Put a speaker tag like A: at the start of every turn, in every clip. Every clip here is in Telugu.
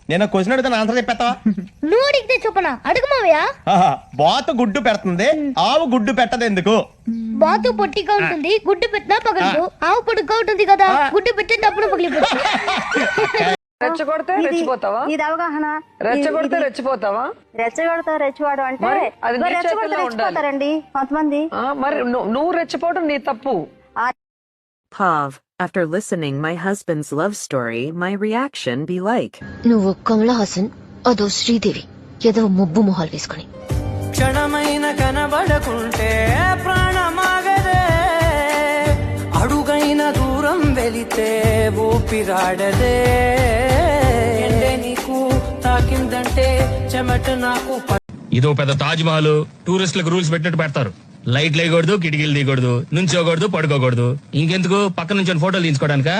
A: నేను క్వశ్చన్ అడిగితే ఆన్సర్ చెప్పేస్తావా?
B: నువ్వు అడిగితే చెప్పనా? అడుగు మావయ్య.
A: బాతు గుడ్డు పెడుతుంది, ఆవు గుడ్డు పెట్టదు ఎందుకు?
B: బాతు పొట్టిగా ఉంటుంది, గుడ్డు పెట్టినా పగలదు. ఆవు పొడుగ్గా ఉంటుంది కదా, గుడ్డు పెట్టినప్పుడు పగిలిపోతుంది.
C: రెచ్చగొడితే రెచ్చిపోతావా?
D: ఇది అవగాహన.
C: రెచ్చగొడితే రెచ్చిపోతావా?
D: రెచ్చగొడతా రెచ్చివాడు అంటే
C: అది నీ
D: రెచ్చగొడితే
C: చేతుల్లో ఉండాలి.
D: రెచ్చిపోతారండి కొంతమంది.
C: మరి నువ్వు రెచ్చిపోవడం నీ తప్పు.
E: Pav, after listening my husband's love story, my reaction be like,
F: నువ్వు కమలా హాసన్, అదో శ్రీదేవి, ఏదో ముబ్బు మొహాలు వేసుకుని
G: క్షణమైన కనబడకుంటే ప్రాణమాగదే, అడుగైన దూరం వెళితే ఊపిరాడదే, ఎండే నీకు తాకిందంటే చెమట నాకు.
H: ఇదో పెద్ద తాజ్ మహల్ టూరిస్టులకు రూల్స్ పెట్టినట్టు పెడతారు. లైట్లు వేయకూడదు, కిటికీలు తీయకూడదు, నుంచోకూడదు, పడుకోకూడదు. ఇంకెందుకు పక్క నుంచి ఫోటోలు తీసుకోవడానికా?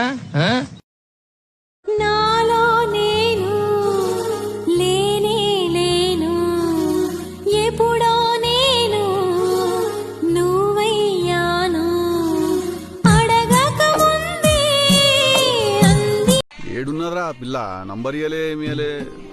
I: నాలో నేను లేనే లేను, ఎప్పుడో నేను నువ్వయ్యాను, అడగక ముందే అంది.
J: ఏడున్నరా పిల్ల నంబర్ ఇయలే ఏమియలే.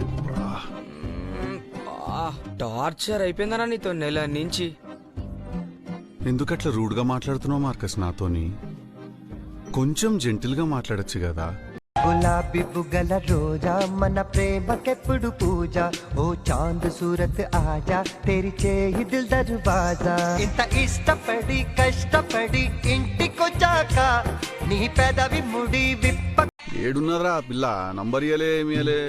G: టార్చర్ అయిపోయిందనా నీతో నెల నుంచి.
J: ఎందుకట్లా రూడ్ గా మాట్లాడుతున్నావు మార్కస్ నాతోని? కొంచెం జెంటిల్ గా మాట్లాడొచ్చు కదా.
K: గులాబీ బుగ్గల రోజా మన ప్రేమకెప్పుడు పూజ, ఓ చాంద్ సూరత్ ఆజా తెరి చేయి దిల్ దర్వాజా. ఇంత ఇష్టపడి కష్టపడి ఇంటికొచ్చాక నీ పెదవి ముడి విప్ప.
J: ఏడున్నరా పిల్ల నంబర్ ఇయలే ఏమియలే.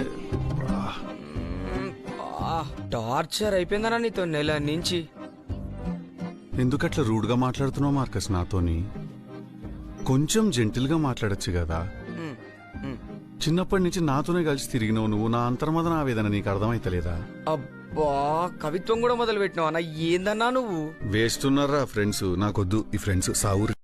G: టార్చర్ అయిపోయిందనా నీతో నెల నుంచి.
J: ఎందుకట్లా రూడ్ గా మాట్లాడుతున్నావు మార్కస్ నాతోని? కొంచెం జెంటిల్ గా మాట్లాడొచ్చు కదా. చిన్నప్పటి నుంచి నాతోనే కలిసి తిరిగినావు నువ్వు. నా అంతర్మదన ఆవేదన నీకు అర్థమైతలేదా?
G: అబ్బా, కవిత్వం కూడా మొదలు పెట్టినావు అన్న. ఏందన్నా నువ్వు?
J: వేస్తున్నారా ఫ్రెండ్స్? నాకొద్దు ఈ ఫ్రెండ్స్ సావురు.